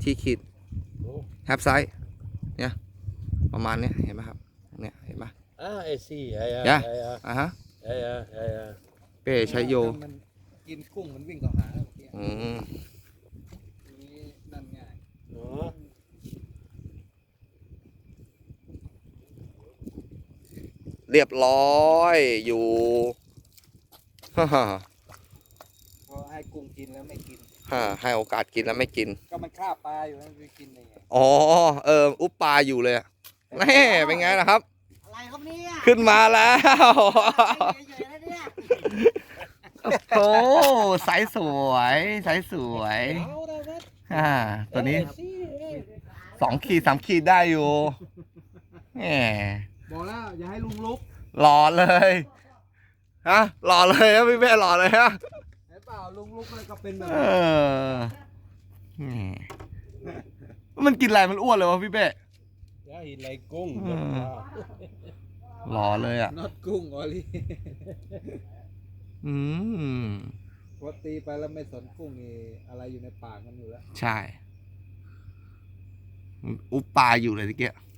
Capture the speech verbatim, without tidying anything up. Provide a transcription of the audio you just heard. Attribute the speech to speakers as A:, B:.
A: ขีดขีด
B: โอ้
A: แฮปไซส์เนี่ยประมาณเนี้ยเห็นไหมครับเนี่ยเห็นไหม
B: อ่าไอซีไอ้
A: เนี่
B: ไอ้
A: ย
B: ไอ้
A: อ่ะฮะ
B: ไอ้ไอ้ไอ้
A: เป้ใช้โย
C: มันกินกุ้งมันวิ่งเข้าหาเมื่อกี้
A: อืม
C: ทีนี้นั่นง่าย
B: เนาะ
A: เรียบร้อยอยู่ ฮ่าฮ่า
C: พอให้กุ้งกินแล้วไม่กิน
A: ฮ่าให้โอกาสกินแล้วไม่กิน
C: ก็มันฆ่าปลาอยู่มันไปกินได้ไง
A: อ๋อเอออุปปลาอยู่เลยอะแน่เป็นไงล่ะครับ
D: อะไรครับเนี่ย
A: ขึ้นมาแล้ว
D: เฉยๆนะเนี่ย
A: โอ้ไซส์สวยไซส์สวย
B: เอาได้ไหม
A: อ่าตัวนี้
B: ไอ้ซี่เอ้ย
A: สองขีดสามขีดได้อยู่แหม
C: บอกแล้วอย่าให้ลุงลุก
A: หล่อเลยฮะหล่อเลยครับพี่เป้หล่อเลยฮะ
C: เห็นเปล่าลุงลุกมันก็เป็นแบบ
A: เออแหมมันกินอะไรมันอ้วนเลยวะพี่เป้
B: อย่าหินไรกุ้ง
A: อืม หล่อเลยอ่ะ
C: น็อตกุ้งออลี่
A: อืม
C: พอตีไปแล้วไม่สนกุ้งนี่อะไรอยู่ในปากมันอยู่แล้ว
A: ใช่ อุปปลาอยู่เลยทีเกีย